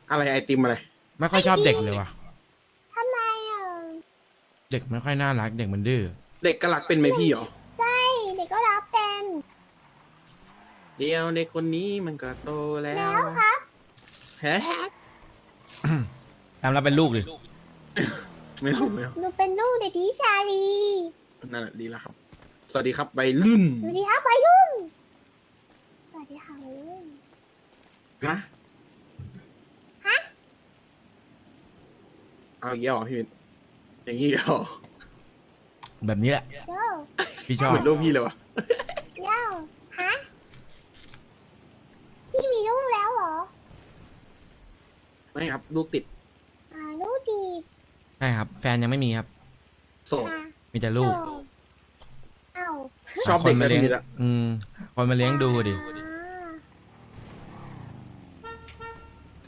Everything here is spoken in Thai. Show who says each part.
Speaker 1: อะไรไอติมอะไร
Speaker 2: ไม่ค่อยชอบเด็กเลยว่ะ
Speaker 3: ทำไมอ่ะ
Speaker 2: เด็กไม่ค่อยน่ารักเด็กมันดื้อ
Speaker 1: เด็กกะลักเป็นไหมพี่เหรอ
Speaker 3: ใช่เด็กก็รับเป็น
Speaker 1: เดี๋ยวเด็กคนนี้มันก็โตแล้
Speaker 3: แล้ว วครับ
Speaker 1: แฮะ
Speaker 2: ตามเราเป็นลูกดิ
Speaker 1: ไม่เอาไม่เอา
Speaker 3: หนูเป็นลูกเด็กดีชาลี
Speaker 1: นั่นแหละดีแล้วครับ สวัสดีครับวัยรุ่น
Speaker 3: สวัสดีครับวัยรุ่นสวัสดีค่ะวัยรุ่น
Speaker 1: ฮะ
Speaker 3: ฮะ
Speaker 1: เอาอย่างเงี้ยเหรอพี่วินอย่างงี้เหรอ
Speaker 2: แบบนี้แหละ
Speaker 3: โย
Speaker 2: พี่ชอบ
Speaker 1: เหมือนลูกพี่เลยวะ
Speaker 3: โยฮะพี่มีลูกแล้วเหรอ
Speaker 1: ไม่ครับลูกติด
Speaker 3: ลูกดี
Speaker 2: ใช่ครับ แฟนยังไม่มีครับ
Speaker 1: โสด
Speaker 3: ค่ะ
Speaker 2: มีแต่ลูก
Speaker 3: โชว์เอ้า
Speaker 1: ชอบเด็ก
Speaker 2: หาคนมา
Speaker 1: นะ
Speaker 2: เลี้ยง
Speaker 1: พี่วินอะ
Speaker 2: คนมาเลี้ยงดูดิ
Speaker 3: อ่า